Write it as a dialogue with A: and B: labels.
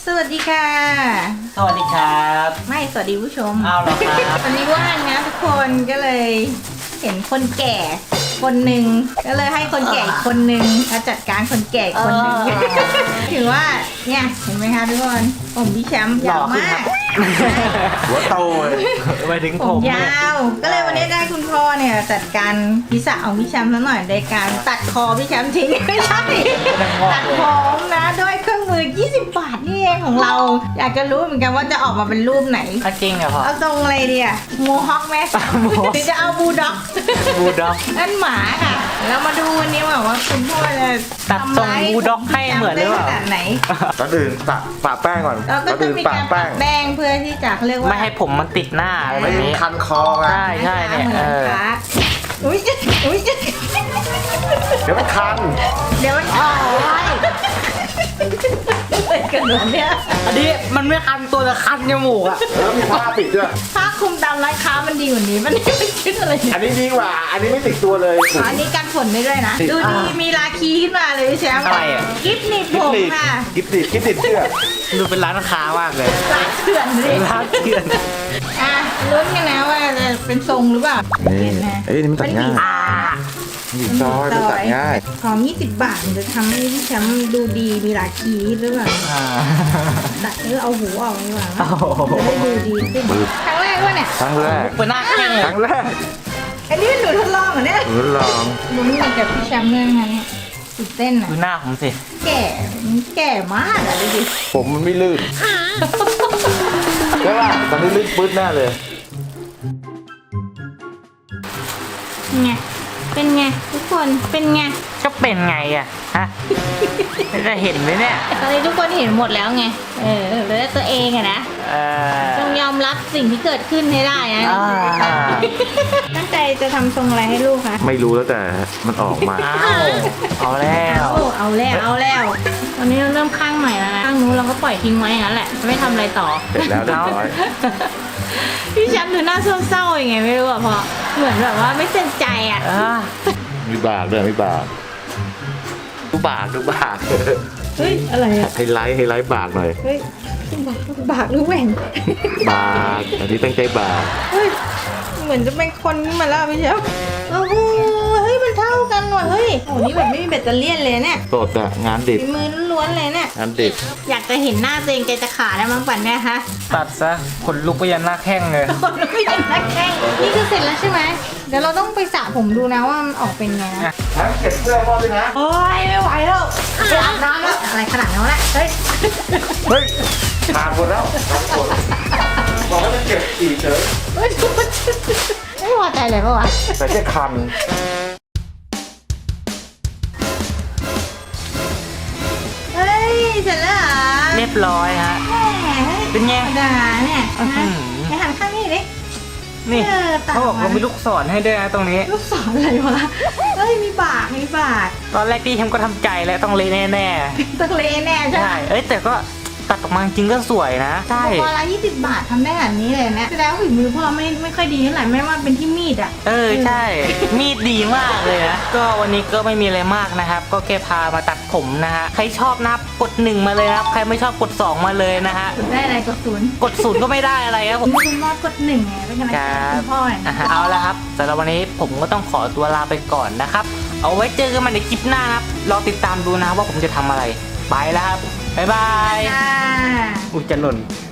A: สวัสดีค่ะ
B: สวัสดีครับ
A: ไม่สวัสดีผู้ชม
B: เอาเหรอครับ
A: วันนี้ว่างนะทุกคนก็เลยเห็นคนแก่คนหนึ่งก็เลยให้คนแก่อีกคนหนึ่งมาจัดการคนแก่อีกคนหนึ่งถือว่าเนี่ยเห็นไหมคะทุกคนผมพี่แชมป์ยาวมาก
C: หัวโตเลย
B: ไปถึง
A: ผ
B: ผม ม
A: ยาวก็เลยวันนี้ได้คุณพ่อเนี่ยจัดการพิษะของพี่แชมป์ซะหน่อยในการตัดคอพี่แชมป์ทิ้งไม่ใช่ตัดผมนะด้วยเครื่องมือ20 บาทนี่เองของเรา อยากจะรู้เหมือนกันว่าจะออกมาเป็นรูปไหน
B: จริงเหรอพ่อ
A: เอาทรงอะไรดีอะโมฮอคไหมหรือจะเอาบูลด็อก
B: บูลด็อก
A: นั่นหมาค่ะเรามาดูวันนี้ว่าคุณพ่อจะ
B: ตัดทรงบูลด็อกให้เหมือนหรือเปล่า
A: ขนาดไหน
C: ก่อนอื่นปะแป้งก่อน
A: เราก็
C: ก่อน
A: จะ
C: อื่น
A: มี
C: ปะ
A: การปะ
C: แป้ง
A: แป้งเพื่อที่จะเขาเรียกว่า
B: ไม่ให้ผมมันติดหน้าอะไรแบ
C: ไม่
B: บนี้
C: คันคอไง
B: ใช่ใช่เนี่ย
A: หมือคะอุ้ยอุ้ย
C: เดี๋ยวมันคัน
A: เดี๋ยวมันออกเป็นกันเหมือนเนี่ย
B: อันนี้มันไม่คันตัวแต่คันจมูกอ่ะ
C: แล้วมีผ้าปิดด้วย
A: ถ้าคุมตามร้านค้ามันดีกว่านี้มันไม่คิดอะไรเนี่ย
C: อันนี้ดีกว่า อันนี้ไม่ติดตัวเลย
A: อันนี้กันฝนได้ด้วยนะ ดูดีมีราคีขึ้นมาเลยพี่แชมป์
B: อะไรอ่ะ
A: กิฟต์หนีบผมค่ะ
C: กิบติดเสื้อ
B: ดูเป็นร้านค้ามากเลย
A: ร้านเถื่อนเลย
B: ร้านเถื่อน
A: อ่ะลุ้นกันนะว่าจะเป็นทรงหรือเปล่า
C: นี่
A: เห็นไหม
C: เอ้ยนี่มันตัดง่าย
B: อ่า
C: นี่ซอยมันตัดง่าย
A: ของ20 บาทมันจะทำให้พี่แชมป์ดูดีมีราคีหรือเปล่า
B: อ่า
A: ตัดเอาหูออกดีกว่า
B: โอ้โห
A: จะได้ดูดีขึ้นครั้งแรกวะเนี่ย
C: ครั้งแรก
B: เป็นหน้าแข้งเลย
C: ครั้งแรก
A: อันนี้หนูทดลองเหรอเนี่ย
C: หนูลอง
A: ลุ้นกันกับพี่แชมป์เลยนะคะเนี่ยตื่นเต้นอ่ะ
B: ดูหน้าผมสิ
A: แก่มากอ่ะดูดิ
C: ผมมันไม่ลื่นใช่ป่ะตอนนี้ลื่นปื๊ดแน่เลย
A: ไงเป็นไงทุกคนเป็นไง
B: ก็เป็นไงอ่ะฮะจะเห็นไหมเนี่ย
A: ตอนนี้ทุกคนเห็นหมดแล้วไงเหลือแต่ตัวเองอะนะ
B: เออ
A: ต้องยอมรับสิ่งที่เกิดขึ้นให้ได้นะ
B: อ่า
A: ตั้งใจจะทำทรงอะไรให้ลูกคะ
C: ไม่รู้แล้วแต่มันออกมา
B: อ้าวเอาแล้ว
A: เอาแล้วตอนนี้เราเริ่มข้างใหม่แล้วนะข้างนู้นเราก็ปล่อยทิ้งไว้อย่างนั้นแหละไม่ทำอะไรต่อ
C: เสร็จแล้วเรียบร้อย
A: พี่แชมป์ดูหน้าเศร้าๆยังไงไม่รู้อะพอเหมือนแบบว่าไม่เต็มใจอะ
B: อ่า
C: มีบากด้วยมีบาก
B: ดูบากดูบาก
A: เฮ้ยอะไรอะ
C: ไฮไลท์บากหน่อย
A: เฮ้ยบากหรือแหว่ง
C: บากอันนี้ตั้งใจบาก
A: เฮ้ยเหมือนจะเป็นคนขึ้นมาแล้วพี่แชมป์โอ้โหเฮ้ยมันเท่ากันว่ะเฮ้ยโอ้นี่แบบไม่มีแบตเตอรี่เลยเนี่ย
C: สดอะงานดิบ
A: ฝีมือล้วนๆเลยเนี่ย
C: งานดิบ
A: อยากจะเห็นหน้าตัวเองใจจะขาดแล้วมั้งปั่นเนี่ยฮะ
B: ตัดซะขนลุกไปยันหน้าแข้งเลย
A: คนไม่เห็นหน้าแข้งนี่คือเสร็จแล้วใช่ไหมเดี๋ยวเราต้องไปสระผมดูนะว่ามันออกเป็นไงนะ
C: ทั้งเก็บเสื้อพ่อด้วยนะ
A: โอ้ยไม่ไหวแล้วไปอาบน้ำแล้วอะไรขนาดนั้นแหละเฮ้ย
C: เฮ้ยผ่านหมดแล้วผ่านหมดบอกให้มันเก็บอีกเฉย
A: เฮ้ยไม่พอใจเลยปะวะ
C: แต่แค่คัน
A: เฮ้ยเสร็จแล้วเหรอ
B: เรียบร้อยฮะ
A: แหม
B: เป็นไง
A: ธรรมดาเนี่ย
B: อื้อหื
A: นะ
B: อ
A: ไปหันข้างนี้ดิ
B: นี่
A: ตัด
B: เขาบอกว่ามีลูกศรให้ด้วยนะตรงนี้
A: ลูกศรอะไรวะเฮ้ยมีบาก
B: ตอนแรกที่ทำก็ทำใจแล้วต้องเละแน่
A: ตักเลแน่
B: ๆ
A: ใช่ไหม
B: ใช่เอ้ยแต่ก็ตัดออกมาจริงก็สวยนะ ใช่
A: พอละ20 บาททำได้แบบนี้เลยนะแสดงว่าฝีมือพ่อไม่ค่อยดีเท่าไหร่ไม่ว่าเป็นที่มีดอ่ะ
B: เออใช่ มีดดีมากเลยนะก็วันนี้ก็ไม่มีอะไรมากนะครับ ก็แค่พามาตัดผมนะฮะใครชอบนะครับกด1มาเลยนะครับใครไม่ชอบกด2มาเลยนะฮะ
A: ได้อะไรกดศูนย์
B: กด0ก็ไม่ได้อะไรครับผม
A: คุณพ่อกด1ไงเป็นกำลังใจให้คุณพ่อหน่อย
B: อ่ะ
A: นะ
B: ฮะเอาละครับสำหรับวันนี้ผมก็ต้องขอตัวลาไปก่อนนะครับ เอาไว้เจอกันใหม่ในคลิปหน้านะครับรอติดตามดูนะครับว่าผมจะทำอะไร ไปแล้วครับ บ๊ายบาย
A: จ้า
B: อุ้ยจะหล่น